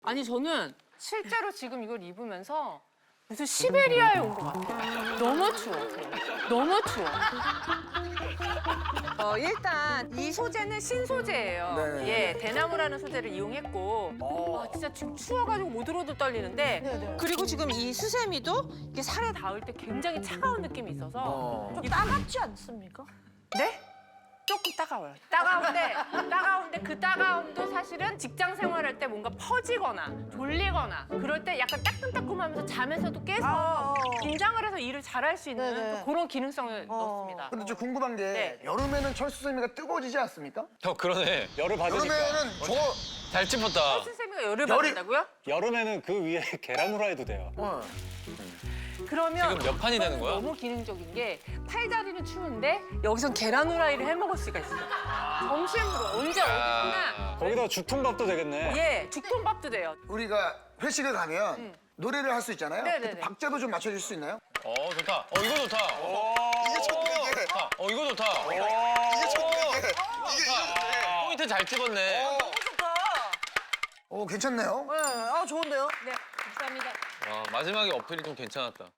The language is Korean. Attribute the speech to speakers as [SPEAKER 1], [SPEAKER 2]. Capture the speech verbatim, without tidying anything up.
[SPEAKER 1] 아니 저는 실제로 지금 이걸 입으면서 무슨 시베리아에 온 것 같아요. 너무 추워. 너무 추워. 어, 일단 이 소재는 신소재예요.
[SPEAKER 2] 네.
[SPEAKER 1] 예, 대나무라는 소재를 이용했고 아, 진짜 지금 추워가지고 오들오들 떨리는데
[SPEAKER 3] 네네.
[SPEAKER 1] 그리고 지금 이 수세미도 이게 살에 닿을 때 굉장히 차가운 느낌이 있어서
[SPEAKER 2] 어.
[SPEAKER 3] 좀 따갑지 않습니까?
[SPEAKER 1] 네? 조금 따가워요. 따가운데, 따가운데 그 따가움도 사실은 직장 생활할 때 뭔가 퍼지거나 졸리거나 그럴 때 약간 따끔따끔하면서 잠에서도 깨서
[SPEAKER 3] 아.
[SPEAKER 1] 긴장을 해서 일을 잘할 수 있는
[SPEAKER 3] 네네.
[SPEAKER 1] 또 그런 기능성을
[SPEAKER 3] 어.
[SPEAKER 1] 넣었습니다.
[SPEAKER 2] 근데 저 궁금한 게
[SPEAKER 1] 네.
[SPEAKER 2] 여름에는 철수세미가 뜨거워지지 않습니까?
[SPEAKER 4] 어, 그러네. 열을 받으니까.
[SPEAKER 2] 여름에는 저
[SPEAKER 4] 잘 찝었다.
[SPEAKER 1] 수세미가 열을
[SPEAKER 2] 열이-
[SPEAKER 1] 받는다고요?
[SPEAKER 5] 여름에는 그 위에 계란 후라이도 돼요.
[SPEAKER 2] 어.
[SPEAKER 1] 그러면
[SPEAKER 4] 지금 몇 판이 되는 거야?
[SPEAKER 1] 너무 기능적인 게 팔다리는 추운데 여기선 계란 후라이를 해 먹을 수가 있어요. 점심으로 언제 어디서나
[SPEAKER 5] 거기다 죽통밥도 되겠네.
[SPEAKER 1] 예, 죽통밥도 돼요.
[SPEAKER 2] 우리가 회식을 가면 노래를 할 수 있잖아요.
[SPEAKER 1] 네네네.
[SPEAKER 2] 그때 박자도 좀 맞춰줄 수 있나요?
[SPEAKER 4] 어, 좋다. 어, 이거 좋다.
[SPEAKER 2] 이게 좋네.
[SPEAKER 4] 좋다. 어, 이거 좋다.
[SPEAKER 2] 이게 좋네. 이게 이게 좋네.
[SPEAKER 4] 포인트 잘 찍었네.
[SPEAKER 2] 오 괜찮네요.
[SPEAKER 3] 네, 아 좋은데요?
[SPEAKER 1] 네, 감사합니다.
[SPEAKER 4] 와, 마지막에 어필이 좀 괜찮았다.